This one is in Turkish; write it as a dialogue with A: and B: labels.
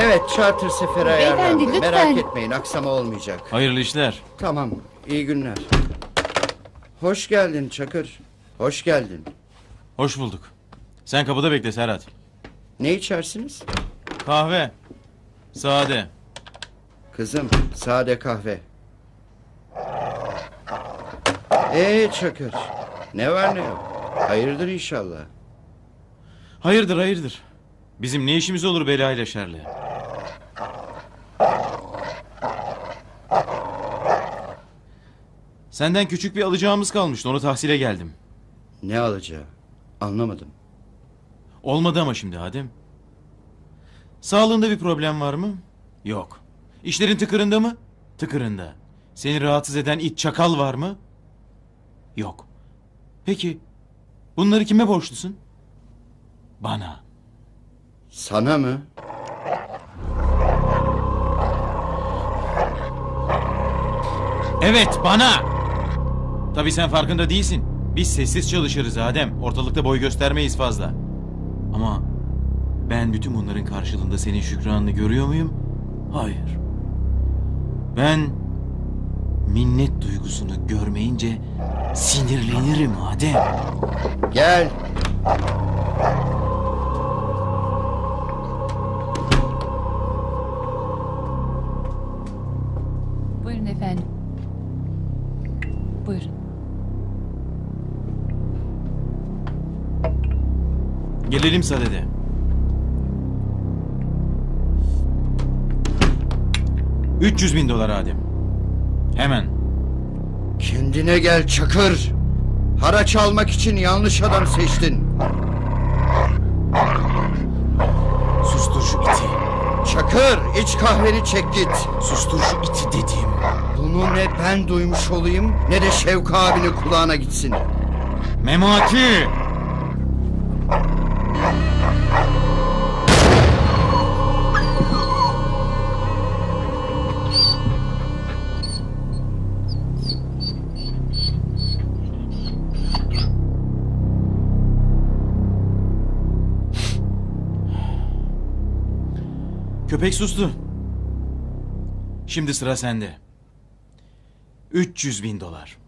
A: Evet, charter seferi
B: Beyefendi,
A: ayarlandı.
B: lütfen.
A: Merak etmeyin, aksama olmayacak.
C: Hayırlı işler.
A: Tamam, iyi günler. Hoş geldin Çakır. Hoş geldin.
C: Hoş bulduk. Sen kapıda bekle Serhat.
A: Ne içersiniz?
C: Kahve. Sade.
A: Kızım, sade kahve. Çakır, ne var ne yok? Hayırdır inşallah.
C: Hayırdır hayırdır. Bizim ne işimiz olur belayla şerle? Senden küçük bir alacağımız kalmıştı. Onu tahsile geldim.
A: Ne alacağı? Anlamadım.
C: Olmadı ama şimdi Adem. Sağlığında bir problem var mı? Yok. İşlerin tıkırında mı? Tıkırında. Seni rahatsız eden it çakal var mı? Yok. Peki bunları kime borçlusun? Bana.
A: Sana mı?
C: Evet bana. Tabii sen farkında değilsin. Biz sessiz çalışırız Adem. Ortalıkta boy göstermeyiz fazla. Ama ben bütün bunların karşılığında senin şükranını görüyor muyum? Hayır. Ben minnet duygusunu görmeyince sinirlenirim Adem.
A: Gel.
B: Buyurun efendim. Buyurun.
C: Gelelim sadede. $300.000 Adem. Hemen.
A: Kendine gel Çakır. Haraç almak için yanlış adam seçtin.
C: Sustur şu iti.
A: Çakır, iç kahveni çek git.
C: Sustur şu iti dedim.
A: Bunu ne ben duymuş olayım ne de Şevka abinin kulağına gitsin.
C: Memati! Köpek sustu. Şimdi sıra sende. $300.000.